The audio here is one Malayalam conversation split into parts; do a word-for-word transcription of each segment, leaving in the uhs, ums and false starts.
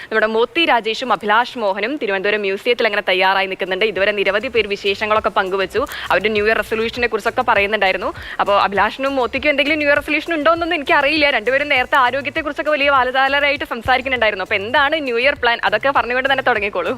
നമ്മുടെ മോത്തി രാജേഷും അഭിലാഷ് മോഹനും തിരുവനന്തപുരം മ്യൂസിയത്തിൽ അങ്ങനെ തയ്യാറായി നിൽക്കുന്നുണ്ട്. ഇതുവരെ നിരവധി പേര് വിശേഷങ്ങളൊക്കെ പങ്കുവച്ചു. അവരുടെ ന്യൂ ഇയർ റെസൊല്യൂഷനെ കുറിച്ചൊക്കെ പറയുന്നുണ്ടായിരുന്നു. അപ്പോൾ അഭിലാഷിനും മോത്തിക്കും എന്തെങ്കിലും ന്യൂ ഇയർ റെസൊല്യൂഷൻ ഉണ്ടോ എന്നൊന്നും എനിക്ക് അറിയില്ല. രണ്ടുപേരും നേരത്തെ ആരോഗ്യത്തെക്കുറിച്ചൊക്കെ വലിയ വാലതാലരായിട്ട് സംസാരിക്കുന്നുണ്ടായിരുന്നു. അപ്പോൾ എന്താണ് ന്യൂ ഇയർ പ്ലാൻ, അതൊക്കെ പറഞ്ഞുകൊണ്ട് തന്നെ തുടങ്ങിക്കോളൂ.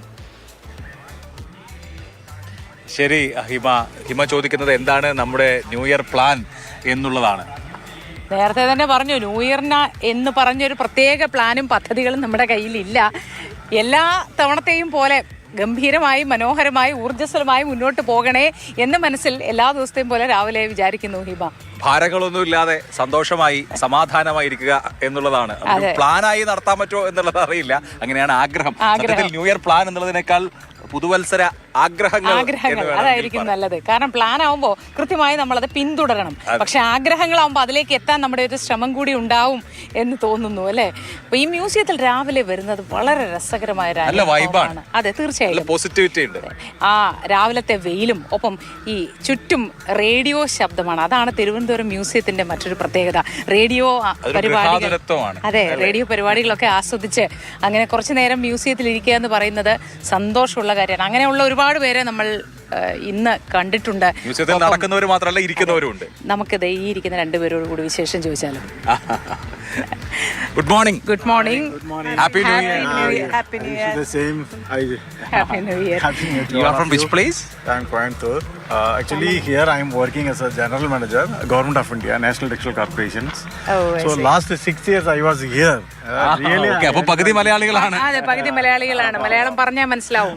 ശരി, ഹിമ ഹിമ ചോദിക്കുന്നത് എന്താണ് നമ്മുടെ ന്യൂ ഇയർ പ്ലാൻ എന്നുള്ളതാണ്. നേരത്തെ തന്നെ പറഞ്ഞു, ന്യൂ ഇയറിന് എന്ന് പറഞ്ഞൊരു പ്രത്യേക പ്ലാനും പദ്ധതികളും നമ്മുടെ കയ്യിലില്ല. എല്ലാ തവണത്തെയും പോലെ ഗംഭീരമായി മനോഹരമായി ഊർജ്ജസ്വലമായി മുന്നോട്ട് പോകണേ എന്ന് മനസ്സിൽ എല്ലാ ദിവസത്തെയും പോലെ രാവിലെ വിചാരിക്കുന്നു. ഹിമ, ഭാരങ്ങളൊന്നുമില്ലാതെ സന്തോഷമായി സമാധാനമായിരിക്കുക എന്നുള്ളതാണ്. പ്ലാനായി നടത്താൻ പറ്റുമോ എന്നുള്ളത് അറിയില്ല. അങ്ങനെയാണ് ആഗ്രഹം. ന്യൂ ഇയർ പ്ലാൻ എന്നുള്ളതിനേക്കാൾ പുതുവത്സര ആഗ്രഹങ്ങൾ ആഗ്രഹങ്ങൾ അതായിരിക്കും നല്ലത്. കാരണം പ്ലാൻ ആവുമ്പോൾ കൃത്യമായി നമ്മളത് പിന്തുടരണം. പക്ഷെ ആഗ്രഹങ്ങളാവുമ്പോൾ അതിലേക്ക് എത്താൻ നമ്മുടെ ഒരു ശ്രമം കൂടി ഉണ്ടാവും എന്ന് തോന്നുന്നു, അല്ലെ? അപ്പൊ ഈ മ്യൂസിയത്തിൽ രാവിലെ വരുന്നത് വളരെ രസകരമായ വൈബാണ്. അതെ, തീർച്ചയായും പോസിറ്റിവിറ്റി ഉണ്ട്. ആ രാവിലത്തെ വെയിലും ഒപ്പം ഈ ചുറ്റും റേഡിയോ ശബ്ദമാണ്. അതാണ് തിരുവനന്തപുരം മ്യൂസിയത്തിന്റെ മറ്റൊരു പ്രത്യേകത. റേഡിയോ പരിപാടികൾ, അതെ, റേഡിയോ പരിപാടികളൊക്കെ ആസ്വദിച്ച് അങ്ങനെ കുറച്ചു നേരം മ്യൂസിയത്തിൽ ഇരിക്കുക എന്ന് പറയുന്നത് സന്തോഷമുള്ള കാര്യമാണ്. അങ്ങനെയുള്ള ഒരുപാട് പേരെ നമ്മൾ ഇന്ന് കണ്ടിട്ടുണ്ട്. നടക്കുന്നവർ മാത്രമല്ല, ഇരിക്കുന്നവരുണ്ട്. നമുക്കിത് ഈ ഇരിക്കുന്ന രണ്ടുപേരോട് കൂടി വിശേഷം ചോദിച്ചാലും. Good morning. Good morning. Happy New Year. Happy New Year. The same. I, Happy New Year. Happy New Year. You are from which place? I'm Coimbatore. Uh, actually, here I am working as a general manager, Government of India, National Textile Corporations. Oh, I so see. last six years I was here. Uh, really. Okay, അപ്പോൾ പകുതി മലയാളികളാണ്. അതെ, പകുതി മലയാളികളാണ്. മലയാളം പറഞ്ഞാൽ മനസ്സിലാവും.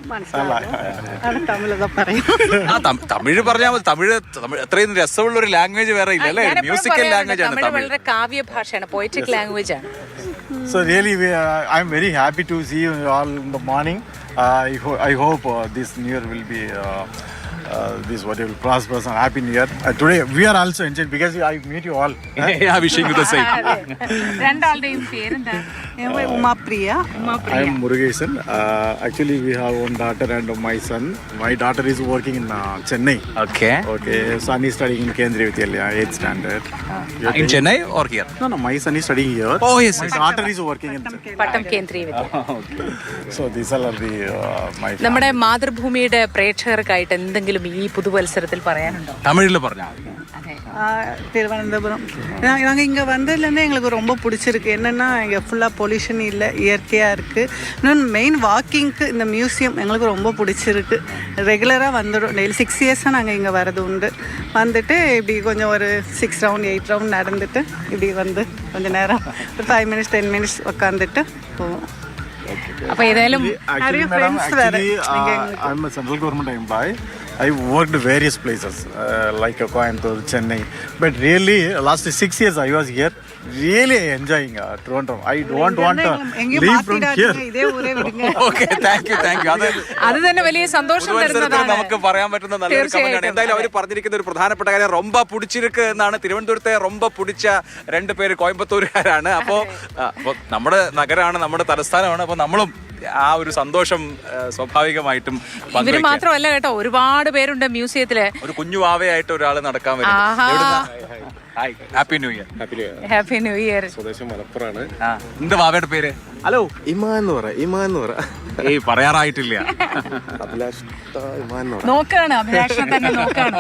തമിഴ് പറഞ്ഞാൽ മതി. തമിഴ് അത്രയും രസമുള്ള ഒരു ലാംഗ്വേജ് വേറെ ഇല്ല, അല്ലേ? മ്യൂസിക്കൽ ലാംഗ്വേജ് ആണ് തമിഴ്. വളരെ കാവ്യ ഭാഷയാണ്, പോയറ്റിക് ലാംഗ്വേജ് ആണ്. So really, we, uh, I'm very happy to see you all in the morning. Uh, I, ho- I hope uh, this New Year will be uh, uh, this what you will prosperous and happy New Year. Uh, today we are also enjoying because I meet you all. Yeah, wishing you the same. രണ്ടാളുടെയും പേരെന്താ? Umapriya. I am Murugesan. Uh, actually, we have one daughter and my son. My daughter is working in uh, Chennai. Okay. Okay, son is studying in Kendriya Vidyalaya, eighth standard. Uh, in Chennai or here? No, no, my son is studying here. Oh yes. My daughter is working in Chennai. Pattom Kendriya Vidya. So these all are the uh, my. നമ്മുടെ മാതൃഭൂമിയുടെ പ്രേക്ഷകർക്കായിട്ട് എന്തെങ്കിലും ഈ പുതുവത്സരത്തിൽ പറയാനുണ്ടോ? തമിഴിൽ പറഞ്ഞാൽ. திருவனந்தபுரம் நாங்கள் இங்கே வந்ததுலேருந்து எங்களுக்கு ரொம்ப பிடிச்சிருக்கு. என்னென்னா இங்கே ஃபுல்லாக பொல்யூஷன் இல்லை, இயற்கையாக இருக்குது. இன்னொன்று மெயின் வாக்கிங்க்கு இந்த மியூசியம் எங்களுக்கு ரொம்ப பிடிச்சிருக்கு. ரெகுலராக வந்துடும். டெய்லி சிக்ஸ் இயர்ஸாக நாங்கள் இங்கே வரது உண்டு. வந்துட்டு இப்படி கொஞ்சம் ஒரு சிக்ஸ் ரவுண்ட் எயிட் ரவுண்ட் நடந்துட்டு இப்படி வந்து கொஞ்சம் நேரம் ஒரு ஃபைவ் மினிட்ஸ் டென் மினிட்ஸ் உட்காந்துட்டு போவோம். அப்போ ஏதாയാലും Actually, madam, actually, uh, I'm a central government employee. I worked various places uh, like Coimbatore, Chennai. But really, last six years I was here. Really enjoying uh, Toronto. I don't want to leave from here. Okay, thank you, thank you. അത് അത് തന്നെ വലിയ സന്തോഷം തരുന്നതാണ്. നമുക്ക് പറയാൻ പറ്റുന്ന നല്ലൊരു കമന്റാണ്. എന്തായാലും അവർ പറഞ്ഞിരിക്കുന്ന ഒരു പ്രധാനപ്പെട്ട കാര്യം റൊമ്പ പുടിച്ചിരിക്ക് എന്നാണ്. തിരുവനന്തപുരത്തെ റൊമ്പ പുടിച്ച രണ്ട് പേര് കോയമ്പത്തൂരുകാരാണ്. അപ്പോൾ നമ്മുടെ നഗരമാണ്, നമ്മുടെ തലസ്ഥാനമാണ്. അപ്പോൾ നമ്മളും ആ ഒരു സന്തോഷം സ്വാഭാവികമായിട്ടും ഇവര് മാത്രമല്ല കേട്ടോ, ഒരുപാട് പേരുണ്ട് മ്യൂസിയത്തില്. ഒരു കുഞ്ഞു വാവയായിട്ട് ഒരാൾ നടക്കാൻ വരും. Happy new year. Happy new year. സ്വദേശം മലപ്പുറമാണ്. നിന്റെ വാവയുടെ പേര്? ഹലോ, ഇമാ എന്ന് പറ. ഇമാ എന്ന് പറ. ഏയ് പറയാറായിട്ടില്ല. അഭിലാഷ് ഇമാ എന്ന് പറ. നോക്കാണ്, അഭിലാഷിനെ തന്നെ നോക്കാണ്.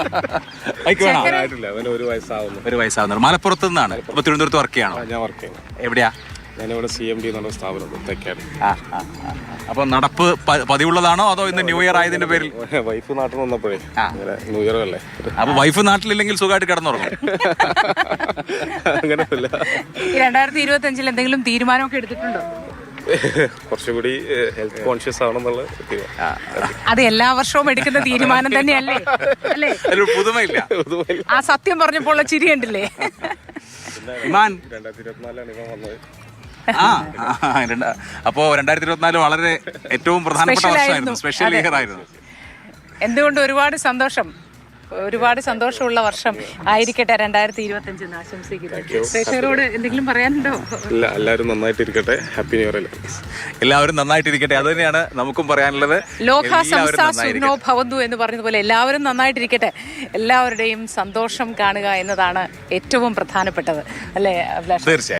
ഒരു വയസ്സാവുന്നു. ഒരു വയസ്സാവുന്നു. മലപ്പുറത്ത് നിന്നാണ്. അപ്പൊ തിരുവനന്തപുരത്ത് വർക്ക് ചെയ്യണോ? ഞാൻ വർക്ക് ചെയ്യുന്നു. എവിടെയാ? ഞാനിവിടെ സി എം ഡി എന്നുള്ള സ്ഥാപനം തെക്കാണ്. അപ്പൊ നടപ്പ് പതിവുള്ളതാണോ അതോ ഇന്ന് ന്യൂ ഇയർ ആയതിന്റെ പേരിൽ? വൈഫ് നാട്ടിൽ വന്നപ്പോഴേ ന്യൂ ഇയർ അല്ലേ. അപ്പൊ വൈഫ് നാട്ടിലില്ലെങ്കിൽ സുഖമായിട്ട് കിടന്നുറങ്ങും. അങ്ങനെയല്ല. ഈ രണ്ടായിരത്തി ഇരുപത്തി അഞ്ചിൽ എന്തെങ്കിലും തീരുമാനമൊക്കെ എടുത്തിട്ടുണ്ടോ? കുറച്ചുകൂടി ഹെൽത്ത് കോൺഷ്യസ് ആണെന്നുള്ള. അത് എല്ലാ വർഷവും എടുക്കുന്ന തീരുമാനം തന്നെയല്ലേ? അല്ലേ? പുതുമയില്ല. ആ സത്യം പറഞ്ഞപ്പോൾ ചിരി കണ്ടില്ലേ? ഇമാൻ രണ്ടായിരത്തി ഇരുപത്തിനാലാണ് ഇവൻ വന്നത്. ആ അപ്പോ രണ്ടായിരത്തി ഇരുപത്തിനാല് വളരെ ഏറ്റവും പ്രധാനപ്പെട്ട വർഷമായിരുന്നു, സ്പെഷ്യൽ ഇയർ ആയിരുന്നു. എന്തുകൊണ്ട് ഒരുപാട് സന്തോഷം, ഒരുപാട് സന്തോഷമുള്ള വർഷം ആയിരിക്കട്ടെ രണ്ടായിരത്തി ഇരുപത്തി അഞ്ച് എന്ന് ആശംസിക്കുന്നു. പ്രേക്ഷകരോട് എന്തെങ്കിലും പറയാനുണ്ടോ? ഇല്ല, എല്ലാവരും നന്നായിട്ടിരിക്കട്ടെ. Happy new year. എല്ലാവരും നന്നായിട്ടിരിക്കട്ടെ, അത് തന്നെയാണ് നമുക്കും പറയാനുള്ളത്. ലോക സംസ്ഥാ സുഖിനോ ഭവന്തു എന്ന് പറഞ്ഞതുപോലെ എല്ലാവരും നന്നായിട്ടിരിക്കട്ടെ, എല്ലാവരുടെയും സന്തോഷം കാണുക എന്നതാണ് ഏറ്റവും പ്രധാനപ്പെട്ടത്, അല്ലേ അഭിലാഷ്? തീർച്ചയായും.